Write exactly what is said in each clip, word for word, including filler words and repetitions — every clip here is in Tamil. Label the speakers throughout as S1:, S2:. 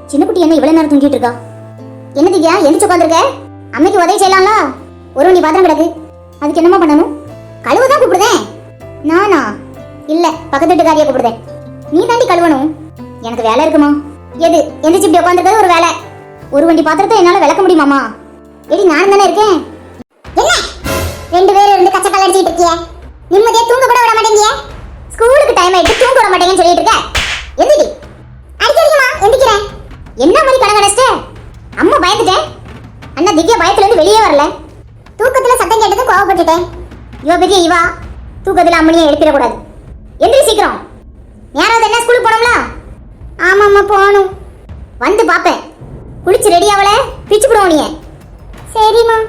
S1: சின்ன குட்டி என்ன இவ்வளவு நேரம் தூங்கிட்டு இருக்கா? என்ன திவ்யா எந்திரிச்சு உட்காந்துருக்க? அம்மைக்கு உதவி செய்யலாம்ல? ஒரு வண்டி பாத்திரம் கிடக்கு, அதுக்கு என்னமா பண்ணணும்? கழுவுதான் கூப்பிடுதேன். நானா? இல்ல, பக்கத்து வீட்டுக்காரியா கூப்பிடுதேன். நீ தாண்டி கழுவணும். எனக்கு வேலை இருக்குமா? எது எந்திரிச்சு இப்படி உட்காந்துருக்கிறது ஒரு வேலை? ஒரு வண்டி பாத்திரத்தை என்னால விளக்க முடியுமாமா? எடி நான் தானே இருக்கேன். என்ன ரெண்டு பேரும் இருந்து கச்சக்கால் அடிச்சிட்டு இருக்கிய? நிம்மதியா தூங்க கூட விட மாட்டேங்கிய? ஸ்கூலுக்கு டைம் ஆயிட்டு தூங்க விட மாட்டேங்கன்னு சொல்லிட்டு இருக்க. எந்திரி. அடிக்கடிக்குமா எந்திக்கிறேன். என்ன மாதிரி கடன் கடைச்சிட்ட? அம்மா பயந்துட்டேன். அண்ணா திவ்யா பயத்துல இருந்து வெளியே வரல. தூக்கத்துல சத்தம் கேட்டது கோவப்பட்டுட்டேன். இவ பெரிய இவா தூக்கத்துல அம்மனியை எழுப்பிடக்கூடாது. எந்திரி சீக்கிரம். யாராவது என்ன ஸ்கூலுக்கு போனோம்ல? ஆமாம்மா போகணும். வந்து பாப்பேன். குளிச்சு ரெடி ஆவல பிச்சு போடுவோம் நீ. சரிம்மா.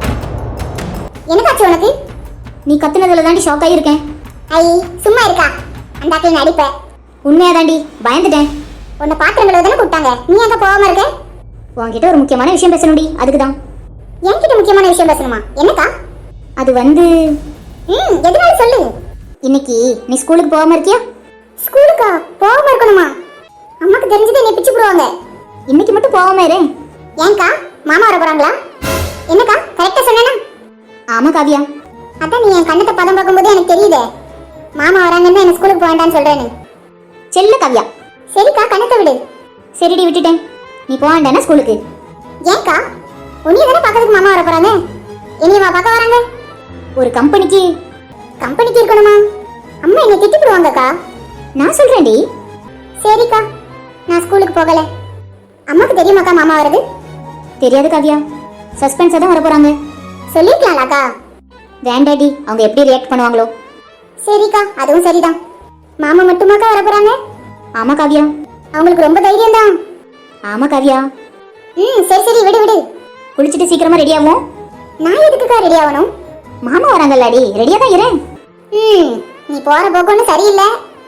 S1: என்னக்காச்சு உனக்கு? நீ கத்துனதுல தாண்டி ஷாக் ஆகியிருக்கேன். ஐ சும்மா இருக்கா? அந்த ஆக்கில் நடிப்ப. உண்மையா தாண்டி பயந்துட்டேன். உன்னை பாத்திரங்களை தானே கூப்பிட்டாங்க, நீ அங்க போகாம இருக்க? உன்கிட்ட ஒரு முக்கியமான விஷயம் பேசணும்டி, அதுக்கு தான். என்கிட்ட முக்கியமான விஷயம் பேசணுமா? என்னக்கா? அது வந்து ம் எதனால சொல்லு. இன்னைக்கு நீ ஸ்கூலுக்கு போகாம இருக்கியா? ஸ்கூலுக்கா போகாம இருக்கணுமா? அம்மாக்கு தெரிஞ்சது என்னை பிச்சு போடுவாங்க. இன்னைக்கு மட்டும் போகாம இரு. ஏன்க்கா மாமா வர போறாங்களா? என்னக்கா கரெக்டா சொன்னேனா? ஆமா காவியா. அதான் நீ என் கண்ணத்தை பதம் பார்க்கும்போது எனக்கு தெரியுதே மாமா வராங்கன்னு என்ன ஸ்கூலுக்கு போக வேண்டாம்னு சொல்றேன்னு. செல்ல காவியா. சரிக்கா கண்ணத்தை விடு. சரிடி விட்டுட்டேன். நீ போக வேண்டானா ஸ்கூலுக்கு? ஏன்க்கா உன்னைய தானே பார்க்கறதுக்கு மாமா வர போறாங்க, என்னையவா பார்க்க வராங்க? ஒரு கம்பெனிக்கு கம்பெனிக்கு இருக்கணுமா? அம்மா என்னை திட்டிடுவாங்கக்கா. நான் சொல்றேன்டி. சரிக்கா நான் ஸ்கூலுக்கு போகல. அம்மாக்கு தெரியுமாக்கா மாமா வருது? தெரியாது காவியா, சஸ்பென்ஸா தான் வர போறாங்க. சொல்லிக்கலாம்லக்கா? வேண்டாடி, அவங்க எப்படி ரியாக்ட் பண்ணுவாங்களோ. சரிக்கா அதுவும் சரிதான். மாமா மட்டுமாக்கா வர போறாங்க? ஆமா காவியா. அவங்களுக்கு ரொம்ப தைரியம் தான். ஆமா காவியா. ம் சரி சரி விடு விடு. குளிச்சிட்டு சீக்கிரமா ரெடி ஆகும். நான் எதுக்குக்கா ரெடி ஆகணும்? மாமா வராங்கல்லடி, ரெடியா தான் இரு. ம் நீ போற போக்கொன்னு சரியில்லை.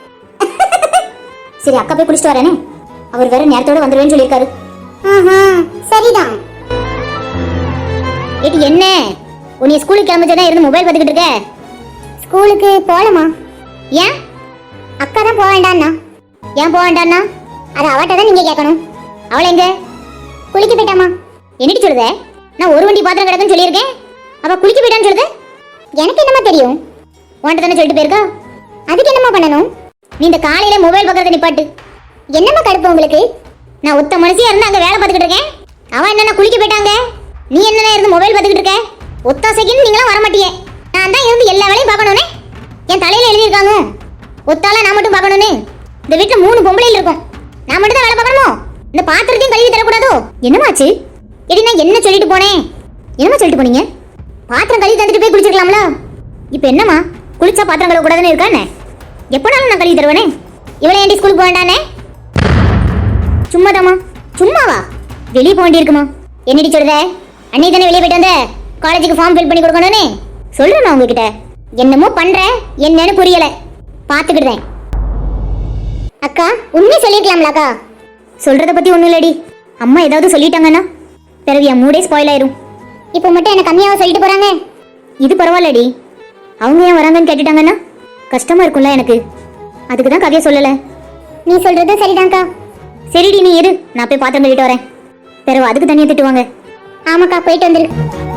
S1: சரி அக்கா போய் குளிச்சிட்டு வரேனே, அவர் வேற நேரத்தோட வந்துருவேன்னு சொல்லியிருக்காரு. ஆஹா சரிதான். ஏடி என்ன உன்னை ஸ்கூலுக்கு கிளம்பிச்சதா இருந்து மொபைல் பார்த்துக்கிட்டு இருக்க? ஸ்கூலுக்கு போகலமா. ஏன்? அக்கா தான் போக வேண்டான்னா. ஏன் போக வேண்டான்னா? அது அவட்ட தான் நீங்க கேட்கணும். அவளை எங்க? குளிக்க போயிட்டாமா. என்னடி சொல்லுத? நான் ஒரு வண்டி பாத்திரம் கிடக்குன்னு சொல்லியிருக்கேன், அவ குளிக்க போயிட்டான்னு சொல்லுது. எனக்கு என்னமா தெரியும்? உன்கிட்ட தானே சொல்லிட்டு போயிருக்கா. அதுக்கு என்னமா பண்ணணும்? நீ இந்த காலையில மொபைல் பார்க்கறத நிப்பாட்டு. என்னமா கடுப்பு உங்களுக்கு? நான் ஒத்த மனுஷியா இருந்து அங்க வேலை பார்த்துக்கிட்டு இருக்கேன், அவன் என்னன்னா குளிக்க போயிட்டாங்க, நீ என்னன்னா இருந்து மொபைல் பார்த்துக்கிட்டு இருக்க. ஒத்தாசைக்குன்னு நீங்களாம் வர மாட்டியே. நான் தான் இருந்து எல்லா வேலையும் பார்க்கணும்னே என் தலையில எழுதியிருக்காங்க. ஒத்தால நான் மட்டும் பார்க்கணும்னு இந்த வீட்டுல மூணு பொம்பளைகள் இருக்கும், நான் மட்டும் தான் வேலை பார்க்கணுமோ? இந்த பாத்திரத்தையும் கழுவி தரக்கூடாதோ? என்னமாச்சு? எடி நான் என்ன சொல்லிட்டு போனேன்? என்னமா சொல்லிட்டு போனீங்க? பாத்திரம் கழுவி தந்துட்டு போய் குளிச்சிருக்கலாம்ல. இப்போ என்னமா குளிச்சா பாத்திரம் கழுவ கூடாதுன்னு இருக்கானே? எப்போனாலும் நான் கழுவி தருவேனே. இவளை ஏன்டி ஸ்கூலுக்கு போக வேண்டானே? சும்மாதாமா. சும்மாவா? வெளியே போக வேண்டியிருக்குமா? என்னடி சொல்லுத? அன்னைக்கு தானே வெளியே போயிட்டு வந்த, காலேஜுக்கு ஃபார்ம் ஃபில் பண்ணி கொடுக்கணும்னு சொல்றேன். உங்ககிட்ட என்னமோ பண்ற, என்னன்னு புரியல, பாத்துக்கிட்டேன். அக்கா உண்மை சொல்லிருக்கலாம்லக்கா? சொல்றத பத்தி ஒண்ணும் இல்லடி, அம்மா ஏதாவது சொல்லிட்டாங்கன்னா பிறகு என் மூடே ஸ்பாயில் ஆயிரும். இப்போ மட்டும் என்ன கம்மியாவா சொல்லிட்டு போறாங்க? இது பரவாயில்லடி, அவங்க ஏன் வராங்கன்னு கேட்டுட்டாங்கன்னா கஷ்டமா இருக்கும்ல எனக்கு, அதுக்கு தான் கதையை சொல்லல. நீ சொல்றது சரிதான்க்கா. சரிடி நீ இரு, நான் போய் பாத்திரம் கழுவிட்டு வரேன், பிறகு அதுக்கு தனியா திட்டுவாங்க. ஆமாக்கா போயிட்டு வந்துரு.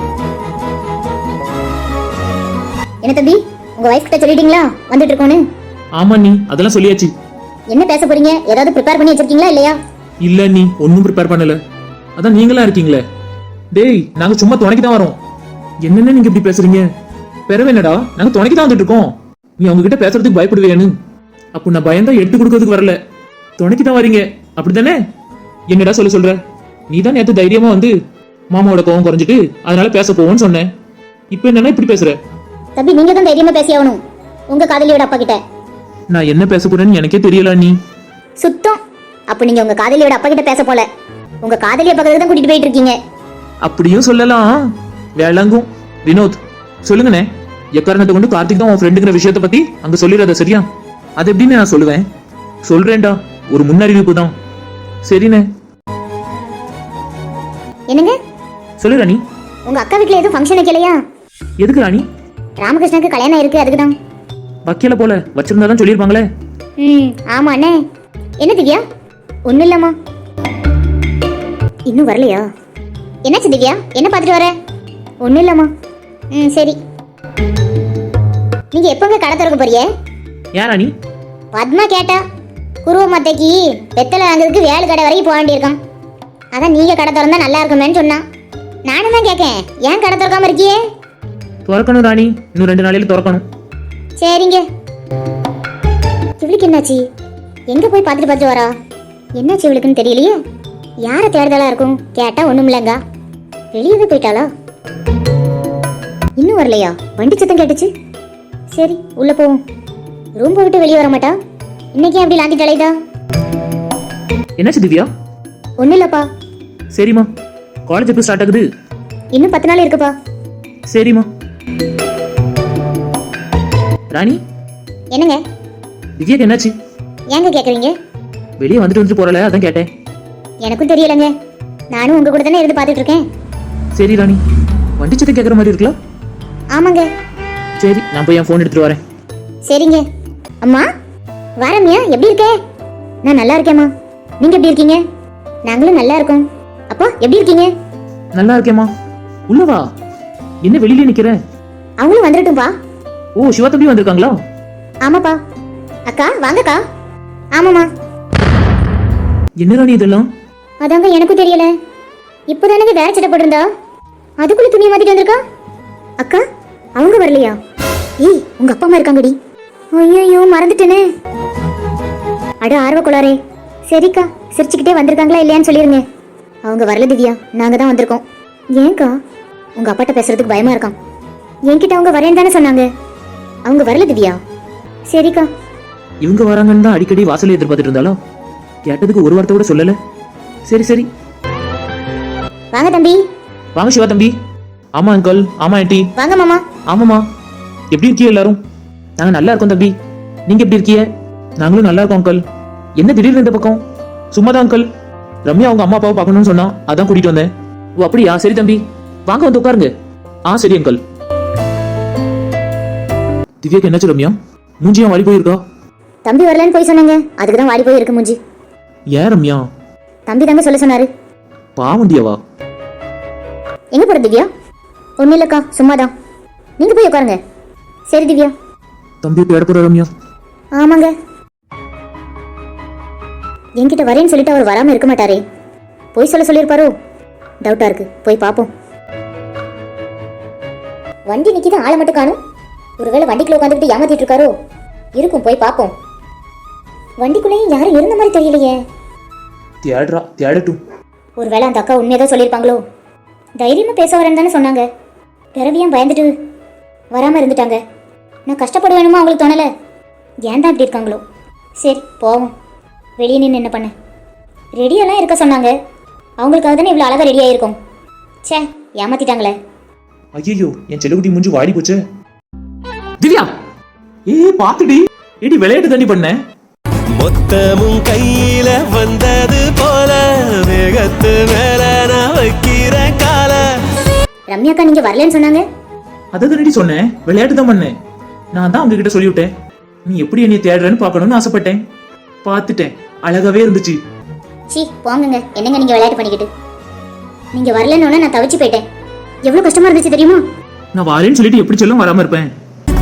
S1: என்ன தம்பி, உங்க வைஃப் கிட்ட சொல்லிட்டீங்களா வந்துட்டு இருக்கோன்னு?
S2: ஆமா நீ அதெல்லாம் சொல்லியாச்சு.
S1: என்ன பேச போறீங்க? ஏதாவது ப்ரிப்பேர் பண்ணி வச்சிருக்கீங்களா இல்லையா?
S2: இல்ல நீ ஒன்னும் ப்ரிப்பேர் பண்ணல, அதான் நீங்களா இருக்கீங்களே. டேய் நாங்க சும்மா துணைக்கு தான் வரோம். என்னென்ன நீங்க இப்படி பேசுறீங்க? பிறகு என்னடா நாங்க துணைக்கு தான் வந்துட்டு இருக்கோம், நீ அவங்க கிட்ட பேசுறதுக்கு பயப்படுவேன்னு. அப்போ நான் பயந்தா எடுத்து கொடுக்கறதுக்கு வரல, துணைக்கு தான் வரீங்க அப்படித்தானே? என்னடா சொல்ல சொல்ற? நீ தான் நேத்து தைரியமா வந்து மாமாவோட கோவம் குறைஞ்சிட்டு அதனால பேச போவோன்னு சொன்னேன், இப்போ என்னன்னா இப்படி பேசுற?
S1: தம்பி நீங்க தான் தைரியமா பேசி ஆகணும் உங்க காதலியோட அப்பா கிட்ட.
S2: நான் என்ன பேச போறேன்னு எனக்கே தெரியல நீ.
S1: சுத்தம். அப்ப நீங்க உங்க காதலியோட அப்பா கிட்ட பேச போல, உங்க காதலிய பக்கத்துக்கு தான் கூட்டிட்டு போயிட்டு இருக்கீங்க.
S2: அப்படியும் சொல்லலாம். வேளங்கும். வினோத் சொல்லுங்கண்ணே, எக்காரணத்தை கொண்டு கார்த்திக் தான் உன் ஃப்ரெண்டுங்கிற விஷயத்தை பத்தி அங்க சொல்லிடாத சரியா? அது எப்படின்னு நான் சொல்லுவேன்? சொல்றேன்டா, ஒரு முன்னறிவிப்பு தான். சரிண்ணே.
S1: என்னங்க
S2: சொல்லு ராணி.
S1: உங்க அக்கா வீட்ல எதுவும் ஃபங்க்ஷன் வைக்கலையா?
S2: எதுக்கு ராணி?
S1: ராமகிருஷ்ணனுக்கு கல்யாணம் இருக்கு, அதுக்கு தான்.
S2: வைக்கல போல, வச்சிருந்தாதான் சொல்லிருப்பாங்களே.
S1: ம் ஆமா அண்ணே. என்ன திவ்யா? ஒன்னும் இல்லம்மா. இன்னும் வரலையா? என்னாச்சு திவ்யா, என்ன பார்த்துட்டு வர? ஒன்றும் இல்லைம்மா. ம் சரி. நீங்கள் எப்போங்க கடை திறக்க போறியே?
S2: ஏன் ராணி?
S1: பத்மா கேட்டா. குருவ மத்தைக்கு வெத்தலை வாங்குறதுக்கு வேலை கடை வரைக்கும் போக வேண்டியிருக்கான். அதான் நீங்கள் கடை திறந்தா நல்லா இருக்குமேன்னு சொன்னான். நானும் தான் கேட்கேன், ஏன் கடை திறக்காம இருக்கியே?
S2: திறக்கணும் ராணி, இன்னும் ரெண்டு நாளையில திறக்கணும்.
S1: சரிங்க. இவளுக்கு என்னாச்சு? எங்க போய் பார்த்துட்டு பார்த்துட்டு வரா? என்னாச்சு இவளுக்குன்னு தெரியலையே. யாரை தேடுதலா இருக்கும்? கேட்டா ஒண்ணும் இல்லைங்க. வெளியவே போயிட்டாளா? இன்னும் வரலையா? வண்டி சத்தம் கேட்டுச்சு. சரி உள்ள போவோம். ரூம் விட்டு வெளியே வர மாட்டா. இன்னைக்கு அப்படி லாந்தி தலைதா?
S2: என்னாச்சு திவ்யா?
S1: ஒன்றும் இல்லப்பா.
S2: சரிம்மா, காலேஜ் எப்போ ஸ்டார்ட் ஆகுது?
S1: இன்னும் பத்து நாள் இருக்குப்பா.
S2: சரிம்மா. ராணி,
S1: என்னங்க?
S2: திவ்யாக்கு என்னாச்சு?
S1: ஏங்க கேட்குறீங்க?
S2: வெளியே வந்துட்டு வந்துட்டு போறல, அதான் கேட்டேன்.
S1: எனக்கும் தெரியலங்க, நானும் உங்க கூட தானே இருந்து பார்த்துட்டு இருக்கேன்.
S2: சரி ராணி, வண்டி சத்தம் கேட்குற மாதிரி இருக்கலாம்.
S1: ஆமாங்க.
S2: சரி, நான் போய் என் ஃபோன் எடுத்துட்டு வரேன்.
S1: சரிங்க. அம்மா வாரம்யா, எப்படி இருக்கே? நான் நல்லா இருக்கேம்மா. நீங்க எப்படி இருக்கீங்க? நாங்களும் நல்லா இருக்கோம். அப்பா எப்படி இருக்கீங்க?
S2: நல்லா இருக்கேம்மா. உள்ள வா. என்ன வெளியில நிக்கிற?
S1: அவங்களும் வந்துடட்டும்பா.
S2: ஓ, சிவா தம்பி வந்திருக்காங்களா?
S1: ஆமாப்பா. அக்கா வாங்கக்கா. ஆமாம்மா.
S2: என்ன ராணி இதெல்லாம்?
S1: அதாங்க எனக்கும் தெரியல. இப்போதானங்க வேற சட்டை போட்டிருந்தா, அதுக்குள்ள துணியை மாத்திட்டு வந்திருக்கா. அக்கா அவங்க வரலையா? ஏய், உங்க அப்பா அம்மா இருக்காங்கடி. ஐயோ மறந்துட்டேனே. அட ஆர்வ கோளாரே. சரிக்கா, சிரிச்சுக்கிட்டே வந்திருக்காங்களா இல்லையான்னு சொல்லிருங்க. அவங்க வரல திவ்யா, நாங்க தான் வந்திருக்கோம். ஏன்க்கா? உங்க அப்பாட்ட பேசுறதுக்கு பயமா இருக்கான். என்கிட்ட அவங்க வரேன்னு தானே சொன்னாங்க. அவங்க வரல திவ்யா. சரிக்கா.
S2: இவங்க வராங்கன்னு தான் அடிக்கடி வாசலை எதிர்பார்த்துட்டு இருந்தாலும் கேட்டதுக்கு ஒரு வார்த்தை கூட சொல்லல. சரி சரி,
S1: வாங்க தம்பி.
S2: வாங்க சிவா தம்பி. ஆமா அங்கிள், ஆமா ஆண்டி.
S1: வாங்க மாமா.
S2: ஆமாமா. எப்படி இருக்கீங்க எல்லாரும்? நாங்க நல்லா இருக்கோம் தம்பி. நீங்க எப்படி இருக்கீங்க? நாங்களும் நல்லா இருக்கோம் அங்கிள். என்ன திடீர்னு இந்த பக்கம்? சும்மாதான் அங்கிள். ரம்யா அவங்க அம்மா அப்பாவை பார்க்கணும்னு சொன்னா, அதான் கூட்டிட்டு வந்தேன். ஓ அப்படியா? சரி தம்பி, வாங்க வந்து உட்காருங்க. ஆ சரி அங்கிள். திவ்யாக்கு என்னாச்சு ரம்யா? மூஞ்சியா வாடி போயிருக்கா?
S1: தம்பி வரலன்னு போய் சொன்னாங்க, அதுக்கு தான் வாடி போய் இருக்கு மூஞ்சி.
S2: ஏன் ரம்யா?
S1: தம்பி தாங்க சொல்ல சொன்னாரு.
S2: பாவண்டியாவா?
S1: எங்க போற திவ்யா? ஒன்னும் இல்லக்கா, சும்மாதான். நீங்க போய் உட்காருங்க. சரி திவ்யா.
S2: தம்பி தேட போற ரம்யா?
S1: ஆமாங்க. என்கிட்ட வரேன்னு சொல்லிட்டு அவர் வராம இருக்க மாட்டாரே. போய் சொல்ல சொல்லியிருப்பாரோ? டவுட்டா இருக்கு, போய் பாப்போம். வண்டி நிக்கிது, ஆளை மட்டும் காணும். ஒருவேளை வண்டிக்குள்ள உட்காந்துக்கிட்டு ஏமாத்திட்டு இருக்காரோ? இருக்கும், போய் பாப்போம். வண்டிக்குள்ளேயும் யாரும் இருந்த மாதிரி தெரியலையே.
S2: தேடுறா, தேடட்டும்.
S1: ஒருவேளை அந்த அக்கா உண்மையதான் சொல்லியிருப்பாங்களோ? தைரியமா பேச வரேன்னு தானே சொன்னாங்க. பிறவியும் பயந்துட்டு வராம இருந்துட்டாங்க. நான் கஷ்டப்படுவேணுமா அவங்களுக்கு தோணல. ஏன் தான் இப்படி இருக்காங்களோ? சரி போவோம். வெளியே நின்று என்ன பண்ண? ரெடியெல்லாம் இருக்க சொன்னாங்க. அவங்களுக்காக தானே இவ்வளோ அழகாக ரெடி ஆகிருக்கும். சே, ஏமாத்திட்டாங்களே.
S2: ஐயோ, என் செல்லுக்குட்டி மூஞ்சி வாடி போச்சு. திவ்யா, ஏ பாத்துடி. ஏடி விளையாட்டு தாண்டி பண்ண.
S3: மொத்தமும் கையில வந்தது போல வேகத்து மேல நான் வைக்கிற கால.
S1: ரம்யாக்கா நீங்க வரலன்னு சொன்னாங்க.
S2: அதை தானடி சொன்னேன், விளையாட்டு தான் பண்ணேன். நான் தான் அவங்க கிட்ட சொல்லிவிட்டேன், நீ எப்படி என்னை தேடுறன்னு பார்க்கணும்னு ஆசைப்பட்டேன். பார்த்துட்டேன், அழகாவே இருந்துச்சு.
S1: சி போங்கங்க, என்னங்க நீங்க விளையாட்டு பண்ணிக்கிட்டு. நீங்க வரலன்னு நான் தவிச்சு போயிட்டேன். எவ்வளவு கஷ்டமா இருந்துச்சு தெரியுமா?
S2: நான் வரேன்னு சொல்லிட்டு எப்படி சொல்லும் வராம இருப்பேன்.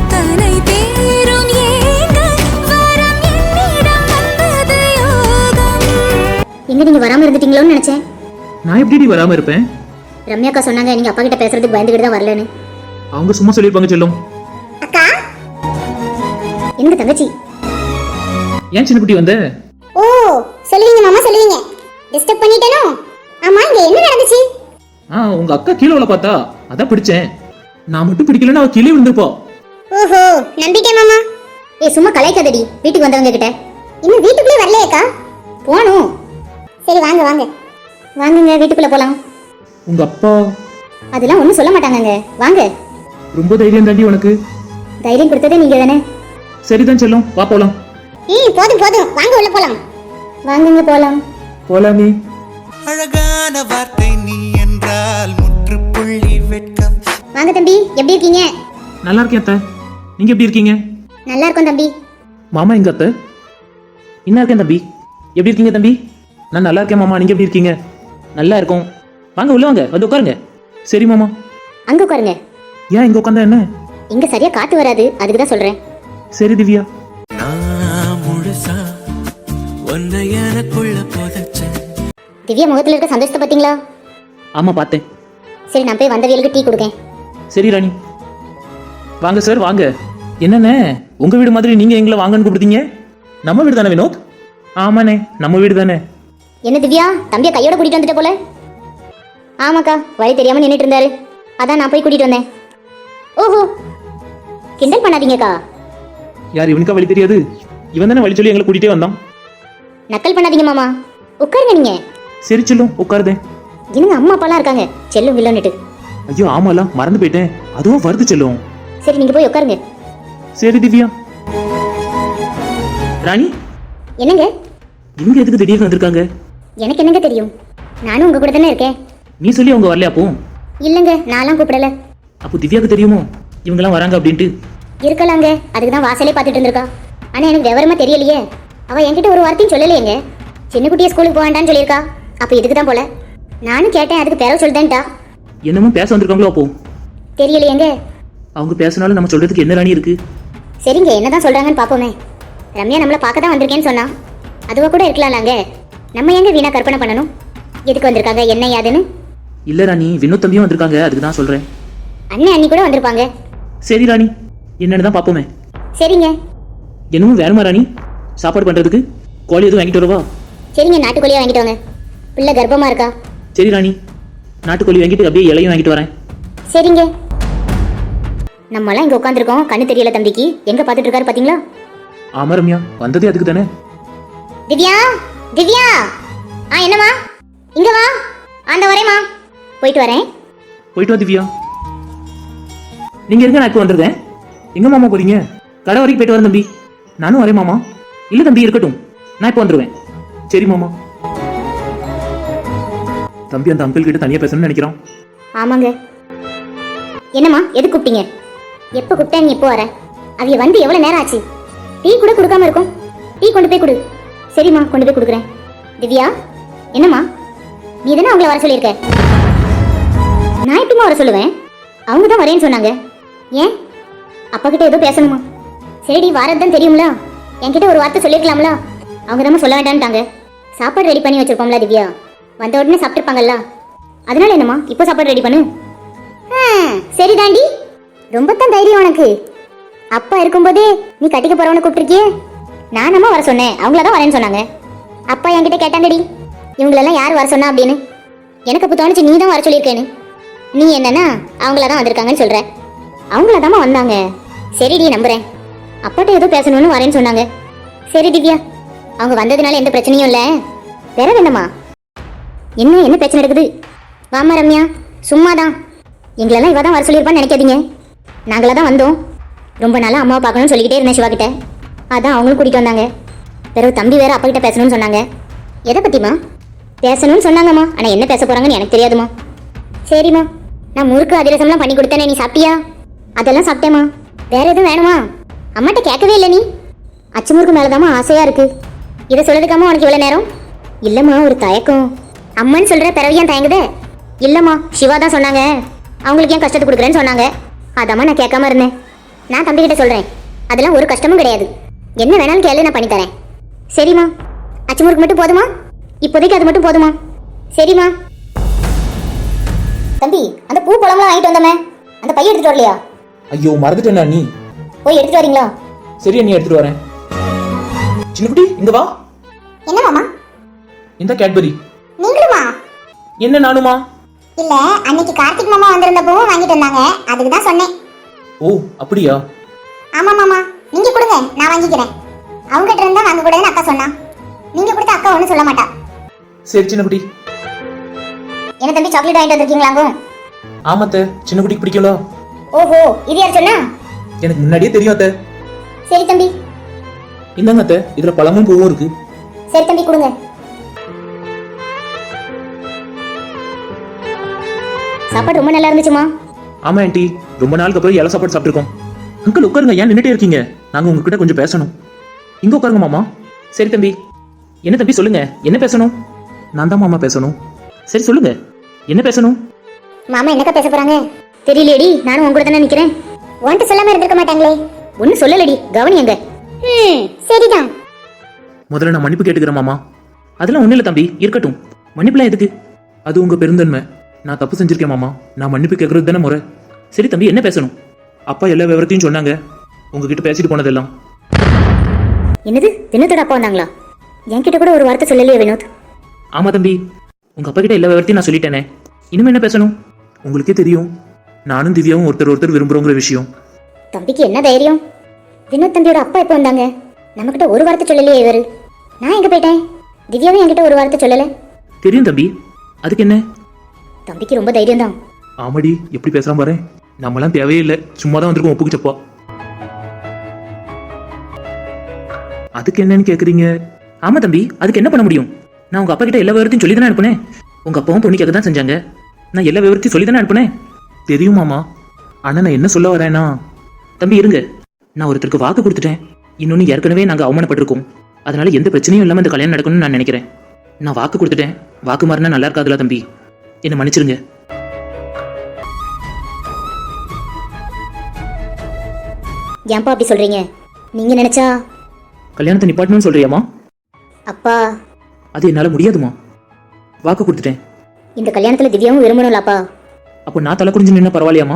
S1: எங்க நீங்க வராம இருந்துட்டீங்களோன்னு நினைச்சேன்.
S2: நான் எப்படி வராம இருப்பேன்?
S1: ரம்யாக்கா சொன்னாங்க நீங்க அப்பா கிட்ட பேசுறதுக்கு பயந்துகிட்டு தான் வரலன்னு.
S2: அவங்க சும்மா சொல்லிருப்பாங்க செல்லும்.
S1: அக்கா, எங்க தங்கச்சி?
S2: ஏன் சின்ன குட்டி வந்த?
S1: ஓ சொல்லுவீங்க மாமா, சொல்லுவீங்க. டிஸ்டர்ப் பண்ணிட்டேனோ? ஆமா, இங்க என்ன நடந்துச்சு?
S2: ஆ, உங்க அக்கா கீழே உள்ள பார்த்தா அதான் பிடிச்சேன். நான் மட்டும் பிடிக்கலன்னா அவ கீழே விழுந்துப்பா.
S1: ஓஹோ, நம்பிட்டேன் மாமா. ஏய் சும்மா கலைக்காதடி, வீட்டுக்கு வந்தவங்க கிட்ட. இன்னும் வீட்டுக்குள்ளே வரலையேக்கா? போணும். சரி வாங்க வாங்க. வாங்குங்க, வீட்டுக்குள்ள போலாம்.
S2: உங்க அப்பா
S1: அதெல்லாம் ஒண்ணும் சொல்ல மாட்டாங்கங்க, வாங்க.
S2: ரொம்ப தைரியம் தாண்டி உனக்கு.
S1: தைரியம் கொடுத்ததே நீங்க தானே.
S2: சரிதான் செல்லும், வா போலாம்.
S1: ம் போதும் போதும், வாங்க உள்ள போலாம். வாங்குங்க போலாம்.
S2: போலாமே.
S3: அழகான வார்த்தை நீ என்றால் முற்றுப்புள்ளி வெட்கம்.
S1: வாங்க தம்பி, எப்படி இருக்கீங்க?
S2: நல்லா இருக்கேன் அத்தை, நீங்க எப்படி இருக்கீங்க?
S1: நல்லா இருக்கோம் தம்பி.
S2: மாமா எங்க அத்தை? என்ன இருக்கேன் தம்பி, எப்படி இருக்கீங்க தம்பி? நான் நல்லா இருக்கேன் மாமா, நீங்க எப்படி இருக்கீங்க? நல்லா இருக்கும். வாங்க உள்ள வாங்க, வந்து உட்காருங்க. சரி மாமா.
S1: அங்க உட்காருங்க.
S2: ஏன் இங்க உட்காந்தா என்ன?
S1: இங்க சரியா காத்து வராது, அதுக்கு தான் சொல்றேன்.
S2: சரி திவ்யா.
S3: நான் முழுசா உன்னை எனக்குள்ள புதைச்சேன்.
S1: திவ்யா முகத்துல இருக்க சந்தோஷத்தை பாத்தீங்களா?
S2: ஆமா பார்த்தேன்.
S1: சரி நான் போய் வந்தவியலுக்கு டீ கொடுக்கேன்.
S2: சரி ராணி. வாங்க சார் வாங்க. என்னண்ணே உங்க வீடு மாதிரி நீங்க எங்களை வாங்கன்னு கூப்பிடுதீங்க? நம்ம வீடு தானே வினோத்? ஆமாண்ணே நம்ம வீடு தானே.
S1: என்ன திவ்யா, தம்பியை கையோட கூட்டிட்டு வந்துட்ட போல. ஆமாக்கா, வழி தெரியாம நின்றுட்டு இருந்தாரு, அதான் நான் போய் கூட்டிட்டு வந்தேன். ஓஹோ, கிண்டல் பண்ணாதீங்கக்கா.
S2: யார் இவனுக்கா வழி தெரியாது? இவன் தானே வழி சொல்லி எங்களை கூட்டிகிட்டே வந்தான்.
S1: நக்கல் பண்ணாதீங்க மாமா, உட்காருங்க நீங்க.
S2: சரி செல்லும் உட்காருதேன்.
S1: என்னங்க அம்மா அப்பாலாம் இருக்காங்க, செல்லும் வில்லன்னுட்டு.
S2: ஐயோ ஆமால மறந்து போயிட்டேன், அதுவும் வருது செல்லும்.
S1: சரி நீங்க போய் உட்காருங்க.
S2: சரி திவ்யா. ராணி
S1: என்னங்க
S2: இவங்க எதுக்கு திடீர்னு வந்திருக்காங்க?
S1: எனக்கு என்னங்க தெரியும், நானும் உங்க கூட தானே இருக்கேன்.
S2: நீ சொல்லி அவங்க வரலையா? அப்போ
S1: இல்லங்க, நான்லாம் கூப்பிடல.
S2: அப்போ திவ்யாவுக்கு தெரியுமோ இவங்கெல்லாம் வராங்க அப்படின்ட்டு?
S1: இருக்கலாங்க, அதுக்கு தான் வாசலே பார்த்துட்டு இருந்திருக்கா. ஆனா எனக்கு விவரமா தெரியலையே. அவ என்கிட்ட ஒரு வார்த்தையும் சொல்லலையேங்க. சின்ன குட்டியை ஸ்கூலுக்கு போவேண்டான்னு சொல்லியிருக்கா. அப்ப இதுக்கு தான் போல. நானும் கேட்டேன், அதுக்கு பிறகு சொல்லிட்டேன்ட்டா.
S2: என்னமோ பேச வந்திருக்காங்களோ? அப்போ
S1: தெரியலையேங்க.
S2: அவங்க பேசினாலும் நம்ம சொல்றதுக்கு என்ன ராணி இருக்கு?
S1: சரிங்க, என்னதான் சொல்றாங்கன்னு பாப்போமே. ரம்யா நம்மளை பார்க்க தான் வந்திருக்கேன்னு சொன்னா, அதுவா கூட இருக்கலாம்லாங்க. நம்ம எங்க வீணா கற்பனை பண்ணணும் எதுக்கு வந்திருக்காங்க என்ன யாதுன்னு.
S2: இல்ல ராணி, வினோத் தம்பியும் வந்திருக்காங்க, அதுக்கு தான் சொல்றேன்.
S1: அண்ணன் அண்ணி கூட வந்திருப்பாங்க.
S2: சரி ராணி, என்னன்னு தான் பாப்போமே.
S1: சரிங்க.
S2: என்னமோ வேணுமா ராணி? சாப்பாடு பண்றதுக்கு கோழி எதுவும் வாங்கிட்டு வரவா?
S1: சரிங்க, நாட்டுக்கோழியா வாங்கிட்டு வாங்க. பிள்ளை கர்ப்பமா இருக்கா.
S2: சரி ராணி, நாட்டுக்கோழி வாங்கிட்டு அப்படியே இலையும் வாங்கிட்டு வரேன்.
S1: சரிங்க. நம்மளாம் இங்க உட்காந்துருக்கோம், கண்ணு தெரியல தம்பிக்கு. எங்க பாத்துட்டு இருக்காரு பாத்தீங்களா?
S2: ஆமா ரம்யா, வந்ததே அதுக்கு தானே.
S1: திவ்யா, திவ்யா. ஆ என்னம்மா? இங்க வா. ஆண்ட வரேம்மா. போயிட்டு வரேன்.
S2: போயிட்டு வா திவ்யா. நீங்க இருக்க, நான் இப்போ வந்துருக்கேன். எங்க மாமா போறீங்க? கடை வரைக்கும் போயிட்டு வரேன் தம்பி. நானும் வரேன் மாமா. இல்ல தம்பி இருக்கட்டும், நான் இப்போ வந்துருவேன். சரி மாமா. தம்பி அந்த அங்கிள் கிட்ட தனியா பேசணும்னு நினைக்கிறான்.
S1: ஆமாங்க. என்னம்மா, எது கூப்பிட்டீங்க? எப்போ கூப்பிட்டேன், நீ எப்போ வர? அவிய வந்து எவ்வளவு நேரம் ஆச்சு? டீ கூட கொடுக்காம இருக்கும். டீ கொண்டு போய் கொடு. சரிம்மா, கொண்டு போய் கொடுக்குறேன். திவ்யா, என்னம்மா? நீ தானே அவங்கள வர சொல்லியிருக்க. நான் எப்படிமா வர சொல்லுவேன்? அவங்க தான் வரேன்னு சொன்னாங்க. ஏன்? அப்பா கிட்ட ஏதோ பேசணுமா? சரிடி, வாரது தெரியும்ல, என்கிட்ட ஒரு வார்த்தை சொல்லிருக்கலாம்ல. அவங்க தான் சொல்ல வேண்டான்ட்டாங்க. சாப்பாடு ரெடி பண்ணி வச்சிருப்போம்ல திவ்யா, வந்த உடனே சாப்பிட்டுருப்பாங்கல்ல. அதனால என்னம்மா, இப்போ சாப்பாடு ரெடி பண்ணு. சரி தாண்டி, ரொம்ப தான் தைரியம் உனக்கு. அப்பா இருக்கும்போதே நீ கட்டிக்க போறவனை கூப்பிட்டுருக்கியே. நானம்மா வர சொன்னேன், அவங்கள தான் வரேன்னு சொன்னாங்க. அப்பா என்கிட்ட கேட்டாங்கடி, இவங்களெல்லாம் யார் வர சொன்னா அப்படின்னு. எனக்கு அப்போ தோணுச்சு நீ தான் வர சொல்லியிருக்கேன்னு. நீ என்னன்னா அவங்கள தான் வந்திருக்காங்கன்னு சொல்ற. அவங்கள தாம்மா வந்தாங்க. சரிடி, நம்புறேன். அப்பாட்ட ஏதோ பேசணும்னு வரேன்னு சொன்னாங்க. சரி திவ்யா, அவங்க வந்ததுனால எந்த பிரச்சனையும் இல்லை. வேற வேண்டாமா? என்ன என்ன பிரச்சனை இருக்குது? வாமா ரம்யா, சும்மாதான். எங்களெல்லாம் இவ தான் வர சொல்லியிருப்பான்னு நினைக்காதீங்க. நாங்களா தான் வந்தோம். ரொம்ப நாளாக அம்மாவை பார்க்கணும்னு சொல்லிக்கிட்டே இருந்தேன் சிவா கிட்ட. அதான் அவங்களும் கூட்டிகிட்டு வந்தாங்க. பிறகு தம்பி வேற அப்பா கிட்ட பேசணும்னு சொன்னாங்க. எதை பற்றிமா? பேசணும்னு சொன்னாங்கம்மா, ஆனால் என்ன பேச போகிறாங்கன்னு எனக்கு தெரியாதுமா. சரிம்மா, நான் முறுக்கு அதிரசம்லாம் பண்ணி கொடுத்தேனே, நீ சாப்பிட்டியா? அதெல்லாம் சாப்பிட்டேம்மா. வேற எதுவும் வேணுமா? அம்மாட்ட கேட்கவே இல்லை நீ. அச்சு முறுக்கு மேலதாம்மா ஆசையாக இருக்கு. இதை சொல்றதுக்காம உனக்கு இவ்வளோ நேரம்? இல்லைம்மா, ஒரு தயக்கம். அம்மன்னு சொல்கிற பிறவியான் தயங்குதே? இல்லைம்மா, சிவா தான் சொன்னாங்க, அவங்களுக்கு ஏன் கஷ்டத்தை கொடுக்குறேன்னு சொன்னாங்க. அதாம்மா நான் கேட்காம இருந்தேன். நான் தம்பிக்கிட்ட சொல்கிறேன், அதெல்லாம் ஒரு கஷ்டமும் கிடையாது. என்ன வேணாலும் கேளு, நான் பண்ணித்தரேன். சரிம்மா. அச்சு முறுக்கு மட்டும் போதுமா? இப்போதைக்கு அது மட்டும் போதுமா? சரிம்மா. தம்பி, அந்த பூ பழம்லாம் வாங்கிட்டு வந்தோமே, அந்த பைய எடுத்துட்டு வரலையா?
S2: ஐயோ மறந்துட்டேன் அண்ணி.
S1: போய் எடுத்துட்டு வரீங்களா?
S2: சரி அண்ணி, எடுத்துட்டு வரேன். சின்னக்குட்டி இங்க வா.
S1: என்ன மாமா?
S2: இந்த கேட்பரி.
S1: நீங்களுமா?
S2: என்ன நானுமா?
S1: இல்ல, அன்னைக்கு கார்த்திக் மாமா வந்திருந்த பூவும் வாங்கிட்டு வந்தாங்க, அதுக்கு தான் சொன்னேன்.
S2: ஓ அப்படியா?
S1: ஆமா மாமா, நீங்க கொடுங்க, நான் வாங்கிக்கிறேன். அவங்க கிட்ட இருந்தா வாங்க கூடாதுன்னு அக்கா சொன்னா. நீங்க கொடுத்த அக்கா ஒன்றும் சொல்ல மாட்டா.
S2: சரி சின்னக்குட்டி.
S1: என்ன தம்பி, சாக்லேட் வாங்கிட்டு வந்திருக்கீங்களாங்க?
S2: ஆமாத்த, சின்னக்குட்டிக்கு பிடிக்கல.
S1: ஓஹோ, இது யார் சொன்னா?
S2: எனக்கு முன்னாடியே தெரியும் அத்த.
S1: சரி தம்பி.
S2: இந்தாங்க அத்த, இதுல பழமும் பூவும் இருக்கு.
S1: சரி தம்பி, கொடுங்க. சாப்பாடு ரொம்ப நல்லா இருந்துச்சுமா.
S2: ஆமா ஆண்டி, ரொம்ப நாளுக்கு அப்புறம் இலை சாப்பாடு சாப்பிட்டுருக்கோம். அங்கிள் உட்காருங்க, ஏன் நின்றுட்டே இருக்கீங்க? நாங்க உங்ககிட்ட கொஞ்சம் பேசணும். இங்க உட்காருங்க மாமா. சரி தம்பி. என்ன தம்பி சொல்லுங்க, என்ன பேசணும்? நான் தான் மாமா பேசணும். சரி சொல்லுங்க, என்ன பேசணும்?
S1: மாமா என்னக்கா பேச போறாங்க தெரியலையடி. நானும் உங்க கூட தானே நிக்கிறேன். உன்கிட்ட சொல்லாம இருந்திருக்க மாட்டாங்களே. ஒன்னும் சொல்லலடி, கவனியங்க. ம் சரிதான்.
S2: முதல்ல நான் மன்னிப்பு கேட்டுக்கிறேன் மாமா. அதெல்லாம் ஒண்ணு இல்ல தம்பி, இருக்கட்டும். மன்னிப்புலாம் எதுக்கு? அது உங்க பெருந்தன்மை. நான் தப்பு செஞ்சிருக்கேன் மாமா, நான் மன்னிப்பு கேட்கறது தானே முறை. சரி தம்பி, என்ன பேசணும்? அப்பா எல்லா விவரத்தையும் சொன்னாங்க, உங்ககிட்ட பேசிட்டு போனதெல்லாம்.
S1: என்னது, வினோத்தோட அப்பா வந்தாங்களா? என்கிட்ட கூட ஒரு வார்த்தை சொல்லலையே வினோத்.
S2: ஆமா தம்பி, உங்க அப்பா கிட்ட எல்லா விவரத்தையும் நான் சொல்லிட்டேனே. இனிமே என்ன பேசணும்? உங்களுக்கே தெரியும், நானும் திவ்யாவும் ஒருத்தர் ஒருத்தர் விரும்புறோங்கிற விஷயம்.
S1: தம்பிக்கு என்ன தைரியம்? வினோத் தம்பியோட அப்பா எப்போ வந்தாங்க? நம்மகிட்ட ஒரு வார்த்தை சொல்லலையே இவரு. நான் எங்க போயிட்டேன்? திவ்யாவும் என்கிட்ட ஒரு வார்த்தை சொல்லல.
S2: தெரியும் தம்பி, அதுக்கு என்ன?
S1: தம்பிக்கு ரொம்ப தைரியம் தான்.
S2: ஆமாடி, எப்படி பேசுறான் பாரு. நம்மளாம் தேவையே இல்லை, சும்மா தான் வந்திருக்கோம் ஒப்புக்கு சப்பா. அதுக்கு என்னன்னு கேக்குறீங்க? ஆமா தம்பி, அதுக்கு என்ன பண்ண முடியும்? நான் உங்க அப்பா கிட்ட எல்லா விவரத்தையும் சொல்லி தானே அனுப்புனேன். உங்க அப்பாவும் பொண்ணு கேட்க தான் செஞ்சாங்க. நான் எல்லா விவரத்தையும் சொல்லி தானே அனுப்புனேன். தெரியும் மாமா, ஆனா நான் என்ன சொல்ல வரேன்னா, தம்பி இருங்க, நான் ஒருத்தருக்கு வாக்கு கொடுத்துட்டேன். இன்னொன்னு ஏற்கனவே நாங்க அவமானப்பட்டிருக்கோம். அதனால எந்த பிரச்சனையும் இல்லாம இந்த கல்யாணம் நடக்கணும்னு நான் நினைக்கிறேன். நான் வாக்கு கொடுத்துட்டேன், வாக்கு மாறினா நல்லா இருக்காதுல தம்பி, என்ன மன்னிச்சிருங்க.
S1: ஏன்பா அப்படி சொல்றீங்க? நீங்க நினைச்சா
S2: கல்யாணத்தை நிப்பாட்டணும்னு சொல்றியாமா?
S1: அப்பா,
S2: அது என்னால முடியாதுமா. வாக்கு கொடுத்துட்டேன்.
S1: இந்த கல்யாணத்துல திவ்யாவும் விரும்பணும்லப்பா.
S2: அப்போ நான் தலை குடிஞ்சு நின்னா பரவாயில்லையாமா?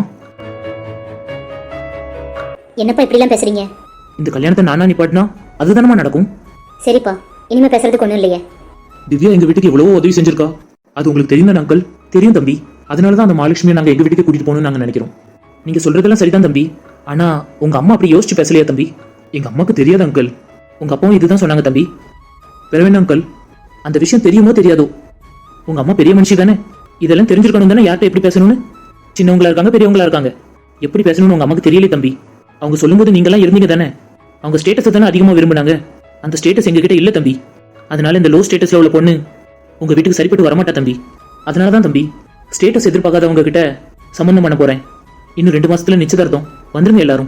S1: என்னப்பா இப்படிலாம் பேசுறீங்க?
S2: இந்த கல்யாணத்தை நானா நிப்பாட்டினா அதுதானமா நடக்கும்.
S1: சரிப்பா, இனிமே பேசுறதுக்கு ஒண்ணும் இல்லையே.
S2: திவ்யா எங்க வீட்டுக்கு எவ்வளவோ உதவி செஞ்சிருக்கா, அது உங்களுக்கு தெரியும் தானே அங்கிள்? தெரியும் தம்பி. அதனாலதான் அந்த மகாலட்சுமியை நாங்க எங்க வீட்டுக்கு கூட்டிட்டு போகணும்னு நாங்க நினைக்கிறோம். நீங்க சொல்றதெல்லாம் சரிதான் தம்பி, ஆனா உங்க அம்மா அப்படி யோசிச்சு பேசலையா தம்பி? எங்க அம்மாக்கு தெரியாது அங்கிள், உங்க அப்பாவும் இதுதான் சொன்னாங்க தம்பி. பெறவேணா அங்கிள், அந்த விஷயம் தெரியுமோ தெரியாதோ, உங்க அம்மா பெரிய மனுஷி தானே, இதெல்லாம் தெரிஞ்சிருக்கணும் தானே யார்கிட்ட எப்படி பேசணும்னு. சின்னவங்களா இருக்காங்க, பெரியவங்களா இருக்காங்க, எப்படி பேசணும்னு உங்க அம்மாக்கு தெரியல தம்பி. அவங்க சொல்லும்போது நீங்களாம் இருந்தீங்க தானே. அவங்க ஸ்டேட்டஸை தானே அதிகமாக விரும்பினாங்க, அந்த ஸ்டேட்டஸ் எங்ககிட்ட இல்லை தம்பி. அதனால இந்த லோ ஸ்டேட்டஸ்ல உள்ள பொண்ணு உங்க வீட்டுக்கு சரிப்பட்டு வரமாட்டா தம்பி. அதனால தான் தம்பி ஸ்டேட்டஸ் எதிர்பார்க்காதவங்க கிட்ட சம்பந்தம் பண்ண போறேன். இன்னும் ரெண்டு மாசத்துல நிச்சயதார்த்தம், வந்துருங்க எல்லாரும்.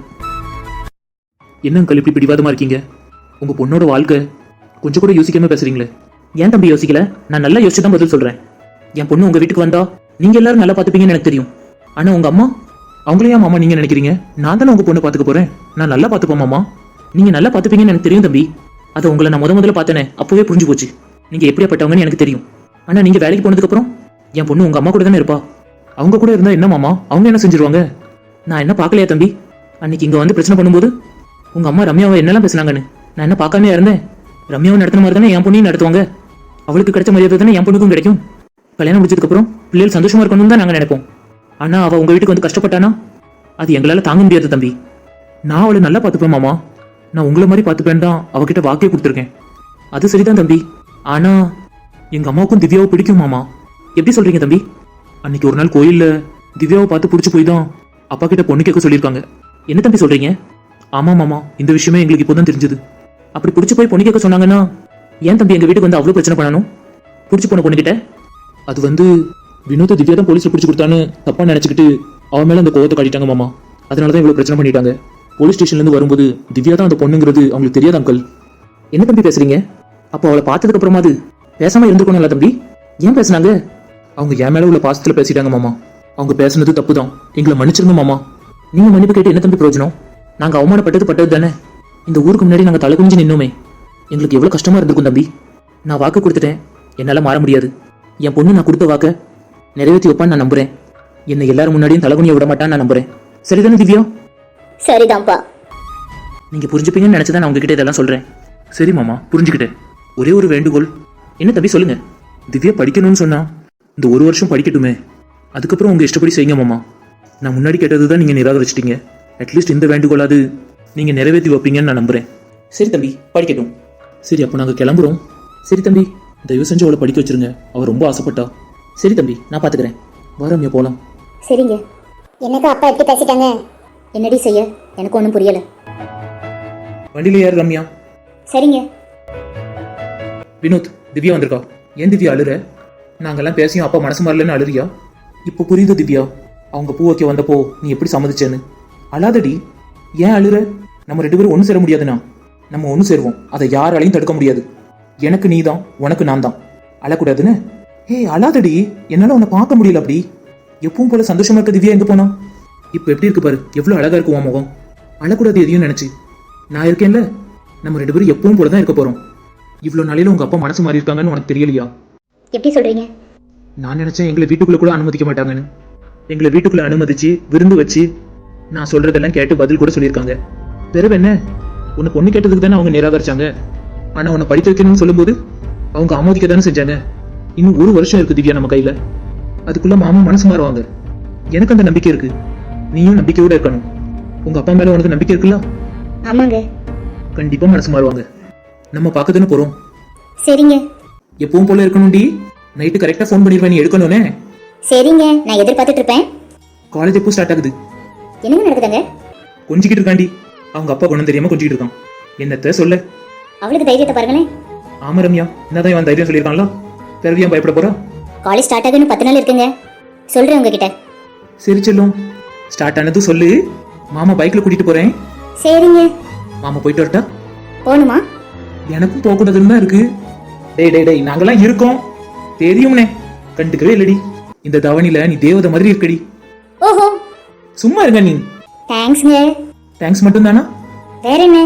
S2: என்ன அங்கிள் இப்படி பிடிவாதமா இருக்கீங்க? உங்க பொண்ணோட வாழ்க்கை கொஞ்சம் கூட யோசிக்காம பேசுறீங்களே. ஏன் தம்பி யோசிக்கல? நான் நல்லா யோசிச்சு தான் பதில் சொல்றேன். என் பொண்ணு உங்க வீட்டுக்கு வந்தா நீங்க எல்லாரும் நல்லா பாத்துப்பீங்கன்னு எனக்கு தெரியும். ஆனா உங்க அம்மா, அவங்களையா மாமா நீங்க நினைக்கிறீங்க? நான் தானே உங்க பொண்ணு பாத்துக்க போறேன், நான் நல்லா பாத்துப்போம் மாமா. நீங்க நல்லா பாத்துப்பீங்கன்னு எனக்கு தெரியும் தம்பி. அதை உங்களை நான் முத முதல்ல பார்த்தேனே, அப்பவே புரிஞ்சு போச்சு நீங்க எப்படியாப்பட்டவங்கன்னு எனக்கு தெரியும். ஆனா நீங்க வேலைக்கு போனதுக்கு அப்புறம் என் பொண்ணு உங்க அம்மா கூட தானே இருப்பா. அவங்க கூட இருந்தா என்ன மாமா, அவங்க என்ன செஞ்சிருவாங்க? நான் என்ன பார்க்கலையா தம்பி? அன்னைக்கு இங்க வந்து பிரச்சனை பண்ணும்போது உங்க அம்மா ரம்யாவை என்னெல்லாம் பேசுனாங்கன்னு நான் என்ன பார்க்காம இருந்தேன்? ரம்யாவை நடத்துன மாதிரி தானே என் பொண்ணையும் நடத்துவாங்க. அவளுக்கு கிடைச்ச மரியாதை தானே என் பொண்ணுக்கும் கிடைக்கும். கல்யாணம் முடிச்சதுக்கு அப்புறம் பிள்ளைகள் சந்தோஷமா இருக்கணும்னு தான் நாங்க நினைப்போம். ஆனா அவ உங்க வீட்டுக்கு வந்து கஷ்டப்பட்டானா அது எங்களால தாங்க முடியாது தம்பி. நான் அவளை நல்லா பார்த்துப்பேன் மாமா, நான் உங்களை மாதிரி பார்த்துப்பேன் தான் அவகிட்ட வாக்கே கொடுத்துருக்கேன். அது சரிதான் தம்பி, ஆனா எங்க அம்மாவுக்கும் திவ்யாவை பிடிக்கும் மாமா. எப்படி சொல்றீங்க தம்பி? அன்னைக்கு ஒரு நாள் கோயில்ல திவ்யாவை பார்த்து பிடிச்சி போய் தான் அப்பா கிட்ட பொண்ணு கேட்க சொல்லியிருக்காங்க. என்ன தம்பி சொல்றீங்க? ஆமா மாமா, இந்த விஷயமே எங்களுக்கு இப்போதான் தெரிஞ்சது. அப்படி பிடிச்சி போய் பொண்ணு கேட்க சொன்னாங்கன்னா ஏன் தம்பி எங்க வீட்டுக்கு வந்து அவ்வளவு பிரச்சனை பண்ணணும்? பிடிச்சி போன பொண்ணு கிட்ட அது வந்து வினோத திவ்யா தான் போலீஸ்ல பிடிச்சி கொடுத்தான்னு தப்பா நினைச்சுக்கிட்டு அவன் மேல அந்த கோவத்தை காட்டிட்டாங்க மாமா. அதனாலதான் இவ்வளவு பிரச்சனை பண்ணிட்டாங்க. போலீஸ் ஸ்டேஷன்ல இருந்து வரும்போது திவ்யா தான் அந்த பொண்ணுங்கிறது அவங்களுக்கு தெரியாது அங்கிள். என்ன தம்பி பேசுறீங்க? அப்போ அவளை பார்த்ததுக்கு அப்புறமா அது பேசாம இருந்துக்கணும்ல தம்பி? ஏன் பேசுனாங்க? அவங்க என் மேல உள்ள பாசத்துல பேசிட்டாங்க மாமா. அவங்க பேசுனது தப்பு தான், எங்களை மன்னிச்சிருங்க மாமா. நீங்க மன்னிப்பு கேட்டு என்ன தம்பி பிரயோஜனம்? நாங்க அவமானப்பட்டது பட்டது தானே. இந்த ஊருக்கு முன்னாடி நாங்க தலை குனிஞ்சு நின்னோமே, எங்களுக்கு எவ்வளவு கஷ்டமா இருந்திருக்கும் தம்பி. நான் வாக்கு கொடுத்துட்டேன், என்னால மாற முடியாது. என் பொண்ணு நான் கொடுத்த வாக்க நிறைவேற்றி வைப்பான்னு நான் நம்புறேன். என்னை எல்லாரும் முன்னாடியும் தலைகுனிய விட மாட்டான்னு நான் நம்புறேன். சரிதானே திவ்யா?
S1: சரிதான்ப்பா.
S2: நீங்க புரிஞ்சுப்பீங்கன்னு நினைச்சுதான் நான் உங்ககிட்ட இதெல்லாம் சொல்றேன். சரி மாமா, புரிஞ்சுக்கிட்டேன். ஒரே ஒரு வேண்டுகோள். என்ன தம்பி சொல்லுங்க? திவ்யா படிக்கணும்னு சொன்னா இந்த ஒரு வருஷம் படிக்கட்டுமே, அதுக்கப்புறம் உங்க இஷ்டப்படி செய்யுங்க மாமா. நான் முன்னாடி கேட்டதுதான் நீங்க நிராகரிச்சிட்டீங்க. அட்லீஸ்ட் இந்த வேண்டுகோளாது நீங்க நிறைவேற்றி வைப்பீங்கன்னு நான் நம்புறேன். சரி தம்பி, படிக்கட்டும். சரி, அப்போ நாங்க கிளம்புறோம். சரி தம்பி, தயவு செஞ்சு அவளை படிக்க வச்சிருங்க, அவ ரொம்ப ஆசைப்பட்டா. சரி தம்பி, நான் பாத்துக்கிறேன். வாரம்யா போலாம்.
S1: சரிங்க. என்னக்கா அப்பா எப்படி பேசிட்டாங்க? என்னடி செய்ய, எனக்கு ஒன்றும் புரியல.
S2: வண்டியில யார் ரம்யா?
S1: சரிங்க.
S2: வினோத், திவ்யா வந்திருக்கா. ஏன் திவ்யா அழுற? நாங்கெல்லாம் பேசியும் அப்பா மனசு மாறலன்னு அழுறியா? இப்போ புரியுது திவ்யா, அவங்க பூ வைக்க வந்தப்போ நீ எப்படி சம்மதிச்சேன்னு. அழாதடி, ஏன் அழுற? நம்ம ரெண்டு பேரும் ஒன்று சேர முடியாதுண்ணா. நம்ம ஒன்று சேருவோம், அதை யாராலையும் தடுக்க முடியாது. எனக்கு நீ தான், உனக்கு நான் தான். அழக்கூடாதுன்னு ஏய் அழாதடி, என்னால உன்னை பார்க்க முடியல அப்படி. எப்பவும் போல சந்தோஷமா இருக்க திவ்யா எங்க போனா? இப்ப எப்படி இருக்கு பாரு, எவ்வளவு அழகா இருக்கு உன் முகம். அழக்கூடாது எதையும் நினைச்சு. நான் இருக்கேன்ல, நம்ம ரெண்டு பேரும் எப்பவும் போலதான் இருக்க போறோம். இவ்வளவு நாளையில உங்க அப்பா மனசு மாறி இருக்காங்கன்னு உனக்கு தெரியலையா?
S1: எப்படி சொல்றீங்க?
S2: நான் நினைச்சேன் எங்களை வீட்டுக்குள்ள கூட அனுமதிக்க மாட்டாங்கன்னு. எங்களை வீட்டுக்குள்ள அனுமதிச்சு விருந்து வச்சு நான் சொல்றதெல்லாம் கேட்டு பதில் கூட சொல்லியிருக்காங்க. பிறகு என்ன, உனக்கு ஒண்ணு கேட்டதுக்கு தானே அவங்க நிராகரிச்சாங்க. ஆனா உன்னை படிக்க வைக்கணும்னு சொல்லும்போது அவங்க ஆமோதிக்க தானே செஞ்சாங்க. இன்னும் ஒரு வருஷம் இருக்கு திவ்யா நம்ம கையில. அதுக்குள்ள மாமா மனசு மாறுவாங்க. எனக்கு அந்த நம்பிக்கை இருக்கு. நீயும் நம்பிக்கையோட இருக்கணும். உங்க அப்பா மேல உனக்கு நம்பிக்கை இருக்குல்ல?
S1: ஆமாங்க.
S2: கண்டிப்பா மனசு மாறுவாங்க. நம்ம பார்க்க தானே போறோம்.
S1: சரிங்க.
S2: எப்பவும் போல இருக்கணும்டி. நைட்டு கரெக்டா ஃபோன் பண்ணிடுவேன், நீ எடுக்கணும்னே.
S1: சரிங்க, நான் எதிர்பார்த்துட்டு இருப்பேன்.
S2: காலேஜ் எப்போ ஸ்டார்ட் ஆகுது?
S1: என்னங்க நடக்குதுங்க?
S2: கொஞ்சிக்கிட்டு இருக்காண்டி. அவங்க அப்பா குணம் தெரியாம கொஞ்சிக்கிட்டு இருக்கான். என்னத்த சொல்ல?
S1: அவளுக்கு தைரியத்தை பாருங்களேன்.
S2: ஆமா ரம்யா, என்னதான் இவன் தைரியம் சொல்லியிருக்கான்ல. பிறவியா பயப்பட போறா?
S1: காலேஜ் ஸ்டார்ட் ஆகுன்னு பத்து நாள் இருக்குங்க. சொல்றேன் உங்ககிட்ட.
S2: சரி செல்லும், ஸ்டார்ட் ஆனதும் சொல்லு. மாமா பைக்ல கூட்டிட்டு போறேன்.
S1: சரிங்க.
S2: மாமா போயிட்டு வரட்டா?
S1: போகணுமா?
S2: எனக்கும் போக கூடாதுன்னு தான் இருக்கு. டேய் டேய் டேய், நாங்கெல்லாம் இருக்கோம் தெரியும்னே. கண்டுக்கவே இல்லடி. இந்த தவணில நீ தேவதை மாதிரி இருக்கடி.
S1: ஓஹோ,
S2: சும்மா இருங்க நீ.
S1: தேங்க்ஸ்ங்க.
S2: தேங்க்ஸ் மட்டும் தானா?
S1: வேற என்ன?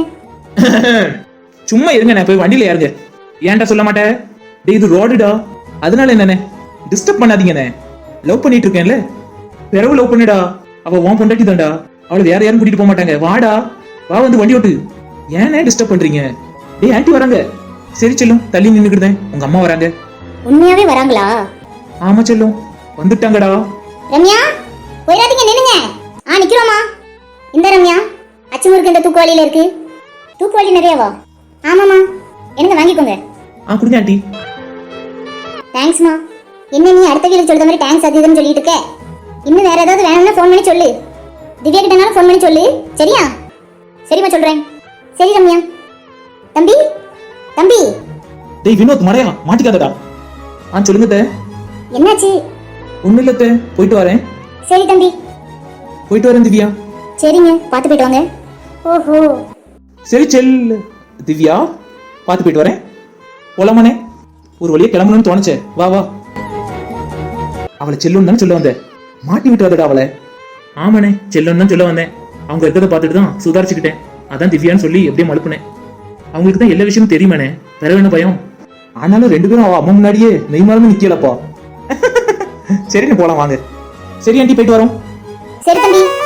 S2: சும்மா இருங்க, நான் போய் வண்டியில யாருங்க. ஏன்டா சொல்ல மாட்டேன்? டேய் இது ரோடுடா, அதனால என்னண்ணே டிஸ்டர்ப் பண்ணாதீங்கண்ணே. லவ் பண்ணிட்டு இருக்கேன்ல, பிறகு லவ் பண்ணுடா. அவ உன் பொண்டாட்டி தான்டா, அவளை வேற யாரும் கூட்டிட்டு போக மாட்டாங்க. வாடா வா, வந்து வண்டி ஓட்டு. ஏன்னே டிஸ்டர்ப் பண்றீங்க? டேய் ஆன்ட்டி வராங்க. சரி செல்லும், தள்ளி நின்னுக்கிட்டேன். உங்க அம்மா வராங்க.
S1: உண்மையாவே வராங்களா?
S2: ஆமா செல்லும், வந்துட்டாங்கடா.
S1: ரம்யா, போயிடாதீங்க, நில்லுங்க. ஆ நிக்கிறோமா. இந்த ரம்யா, அச்சு முறுக்கு இந்த தூக்குவாளியில இருக்கு. தூக்குவாளி நிறையவா? ஆமாமா, எனக்கு வாங்கிக்கோங்க.
S2: ஆ கொடுங்க ஆன்ட்டி.
S1: தேங்க்ஸ்மா. என்ன நீ அடுத்த வீட்டுக்கு சொல்ற மாதிரி தேங்க்ஸ் அது இதுன்னு சொல்லிட்டு இருக்க? இன்னும் வேற ஏதாவது வேணும்னா ஃபோன் பண்ணி சொல்லு. திவ்யா கிட்டனாலும் ஃபோன் பண்ணி சொல்லு, சரியா? சரிம்மா, சொல்றேன். சரி ரம்யா. தம்பி தம்பி.
S2: டேய் வினோத், மறையா மாட்டிக்காதடா. ஆ சொல்லுங்க தே.
S1: என்னாச்சு?
S2: ஒண்ணு இல்ல தே, போயிட்டு வரேன்.
S1: சரி தம்பி.
S2: போயிட்டு வரேன் திவ்யா.
S1: சரிங்க, பார்த்து போயிட்டு வாங்க. ஓஹோ.
S2: சரி செல் திவ்யா, பார்த்து போயிட்டு வரேன். போலாமானே? ஒரு வழியா கிளம்பணும்னு தோணுச்சே. வா வா. அவளை செல்லுன்னு தானே சொல்ல வந்தேன். மாட்டி விட்டு வரடா அவளை. ஆமாண்ணே, செல்லுன்னு தான் சொல்ல வந்தேன். அவங்க இருக்கிறத பார்த்துட்டு தான் சுதாரிச்சுக்கிட்டேன். அதான் திவ்யான்னு சொல்லி எப்படியும் மழுப்புனேன். அவங்களுக்கு தான் எல்லா விஷயமும் தெரியுமாண்ணே, வேற என்ன பயம்? ஆனாலும் ரெண்டு பேரும் அவ அம்மா முன்னாடியே நெய் மறந்து நிக்கலப்பா. சரின்னு போலாம் வாங்க. சரி ஆண்டி, போயிட்டு வரோம்.
S1: சரி தம்பி.